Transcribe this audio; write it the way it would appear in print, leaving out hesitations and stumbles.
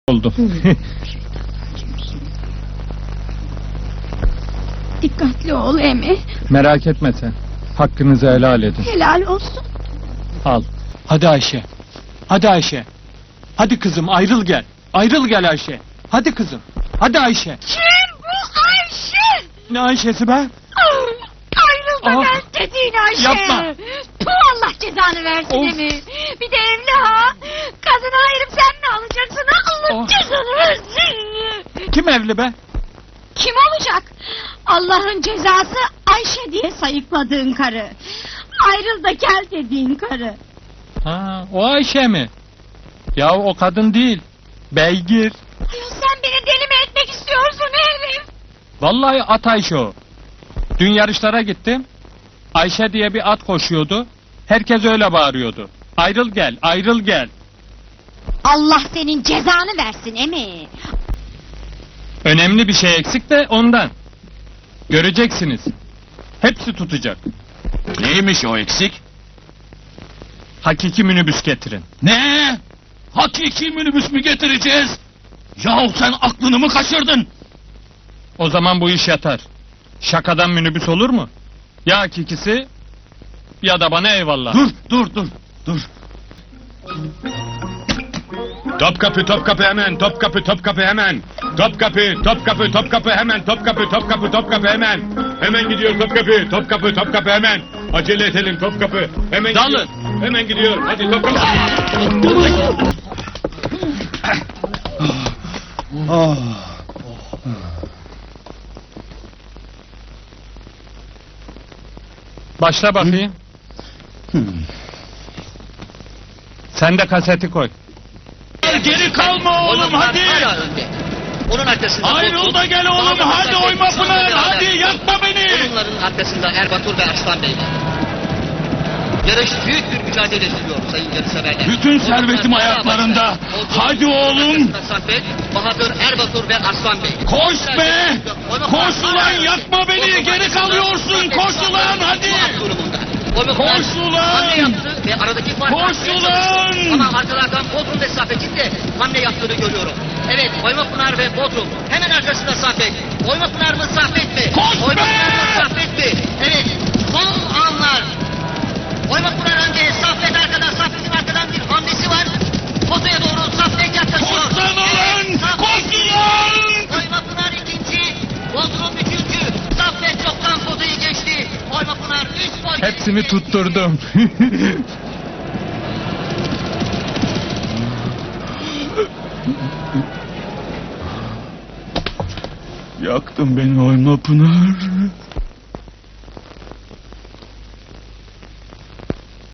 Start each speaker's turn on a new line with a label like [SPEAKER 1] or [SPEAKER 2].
[SPEAKER 1] oldu.
[SPEAKER 2] Dikkatli ol Emi.
[SPEAKER 1] Merak etme sen. Hakkınızı helal edin.
[SPEAKER 2] Helal olsun.
[SPEAKER 1] Al.
[SPEAKER 3] Hadi Ayşe. Hadi Ayşe. Hadi kızım ayrıl gel. Ayrıl gel Ayşe. Hadi kızım. Hadi Ayşe.
[SPEAKER 2] Kim bu Ayşe?
[SPEAKER 3] Ne Ayşe'si be?
[SPEAKER 2] Ayrılma
[SPEAKER 3] Ah!
[SPEAKER 2] ben dediğin Ayşe.
[SPEAKER 3] Yapma.
[SPEAKER 2] Tu Allah cezanı versin
[SPEAKER 3] Of!
[SPEAKER 2] Emi. Bir de evli ha. Kadını ayırıp sen mi alacaksın ha? Allah
[SPEAKER 3] Oh!
[SPEAKER 2] cezanı versin.
[SPEAKER 3] Kim evli be?
[SPEAKER 2] Kim olacak? Allah'ın cezası Ayşe diye sayıkladığın karı. Ayrıl da gel dediğin karı.
[SPEAKER 1] Ha, o Ayşe mi? Ya o kadın değil. Beygir.
[SPEAKER 2] Ayol sen beni deli mi etmek istiyorsun herif?
[SPEAKER 1] Vallahi at Ayşe o. Dün yarışlara gittim. Ayşe diye bir at koşuyordu. Herkes öyle bağırıyordu. Ayrıl gel, ayrıl gel.
[SPEAKER 2] Allah senin cezanı versin Emi.
[SPEAKER 1] Önemli bir şey eksik de ondan. Göreceksiniz. Hepsi tutacak.
[SPEAKER 4] Neymiş o eksik?
[SPEAKER 1] Hakiki minibüs getirin.
[SPEAKER 4] Ne? Hakiki minibüs mü getireceğiz? Yahu sen aklını mı kaçırdın?
[SPEAKER 1] O zaman bu iş yatar. Şakadan minibüs olur mu? Ya hakikisi ya da bana eyvallah.
[SPEAKER 4] Dur. Topkapı hemen, Topkapı hemen. Topkapı hemen, Topkapı hemen. Hemen gidiyor Topkapı hemen. Acele edelim Topkapı. Hemen
[SPEAKER 1] Dalın.
[SPEAKER 4] gidiyor. Hemen gidiyor. Hadi Topkapı.
[SPEAKER 1] Başla bakayım. Sen de kaseti koy.
[SPEAKER 4] Geri kalma oğlum hadi.
[SPEAKER 5] Hala önde. Onun arkasında
[SPEAKER 4] Ayrıl da gel oğlum hadi oyma Pınar. Hadi yakma beni.
[SPEAKER 5] Bunların arkasında Erbatur ve Arslan Bey var. Yarış büyük bir mücadele sürüyor sayın yarışseverler.
[SPEAKER 4] Bütün servetim ayaklarında. Hadi oğlum.
[SPEAKER 5] Saffet, Bahadır, Erbatur ve Arslan Bey.
[SPEAKER 4] Koş be. Koş ulan yakma beni. Geri kalıyorsun. Koş ulan hadi. Koş ulan!
[SPEAKER 5] Hamle yaptı ve aradaki fark
[SPEAKER 4] Koş
[SPEAKER 5] açmaya
[SPEAKER 4] ulan!
[SPEAKER 5] çalıştı. Ama arkalardan Bodrum ve Saffet'in de hamle yaptığını görüyorum. Evet, Oymapınar ve Bodrum. Hemen arkasında Saffet. Oymapınar mı Saffet mi?
[SPEAKER 4] Koş be!
[SPEAKER 5] Oymapınar mı Saffet mi? Evet, son anlar. Oymapınar önde, Saffet arkada. Saffet'in arkadan bir hamlesi var. Fotoya doğru Saffet yaklaşıyor.
[SPEAKER 4] Koş lan ulan!
[SPEAKER 5] Evet, Saffet
[SPEAKER 4] Koş
[SPEAKER 5] ikinci.
[SPEAKER 4] ulan!
[SPEAKER 5] Oymapınar ikinci. Bodrum üçüncü. Saffet çoktan fotoyu geçti. Oymapınar 3 boy.
[SPEAKER 1] Hepsini tutturdum.
[SPEAKER 4] Yaktın beni oyma Pınar.